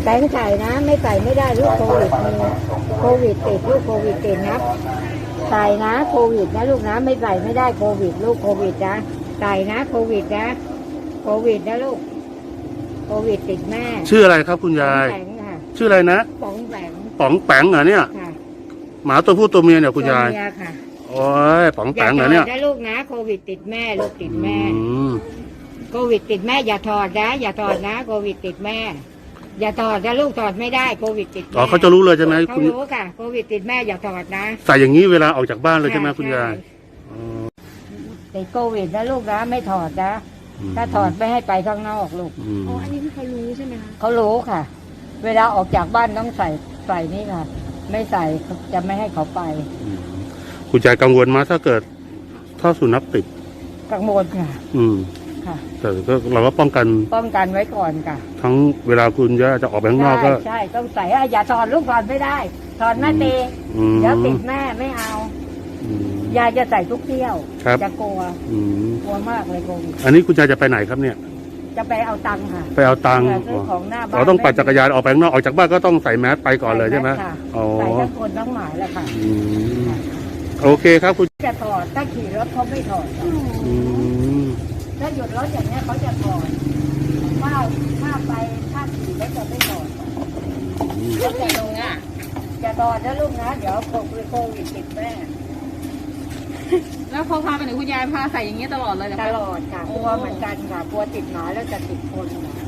แตงใส่นะไม่ใส่ไม่ได้ลูกโควิดมีโควิดติดลูกโควิดติดนะใส่นะโควิดนะลูกนะไม่ใส่ไม่ได้โควิดลูกโควิดนะใส่นะโควิดนะโควิดนะลูกโควิดติดแม่ชื่ออะไรครับคุณยายป๋องแปงค่ะชื่ออะไรนะป๋องแปงป๋องแปงเหรอเนี่ยค่ะหมาตัวผู้ตัวเมียเนี่ยคุณยายตัวเมีค่ะโอ้ยป๋องแปงเหรอเนี่ยอย่าถอดนะลูกนะโควิดติดแม่ลูกติดแม่อืมโควิดติดแม่อย่าถอดนะอย่าถอดนะโควิดติดแม่อย่าถอดนะลูกถอดไม่ได้โควิดติดอ๋อเขาจะรู้เลยใช่ไหมเขารู้ค่ะโควิดติดแม่อย่าถอดนะใส่อย่างนี้เวลาออกจากบ้านเลยใช่ไหมคุณยายติดโควิดนะลูกนะไม่ถอดนะถ้าถอดไม่ให้ไปข้างนอกลูกอ๋ออันนี้คือเขารู้ใช่ไหมคะเขารู้ค่ะ เวลาออกจากบ้านต้องใส่นี่ค่ะไม่ใส่จะไม่ให้เขาไปคุณยายกังวลไหมถ้าสุนัขติดกังวลค่ะค่ะแต่ก็เราก็ป้องกันไว้ก่อนค่ะทั้งเวลาคุณย่าจะออกไปข้างนอกก็ใช่ต้องใส่อย่าถอดลูกถอดไม่ได้ถอดแม่ตีเดี๋ยวติดแม่ไม่เอายายจะใส่ทุกเที่ยวจะกลัวมากเลยโควิดอันนี้คุณยายจะไปไหนครับเนี่ยจะไปเอาตังค์ค่ะไปเอาตังค์ซื้อของหน้าบ้านเราต้องปั่นจักรยานออกไปข้างนอกออกจากบ้านก็ต้องใส่แมสไปก่อนเลยใช่ไหมใส่ทั้งคนทั้งหมายแหละค่ะโอเคครับคุณจะถอดถ้าขี่รถเขาไม่ถอดถ้าหยุดรถอย่างนี้เขาจะถอดถ้าไปถ้าขี่แล้วจะไม่ถอดแล้วแต่ลงจะถอดนะลูกนะเดี๋ยวโควิดติดแม่แล้วเขาพาไปไหนคุณยายพาใส่อย่างเงี้ยตลอดเลยเหรอตลอดค่ะกลัวเหมือนกันค่ะกลัวติดหมาแล้วจะติดคน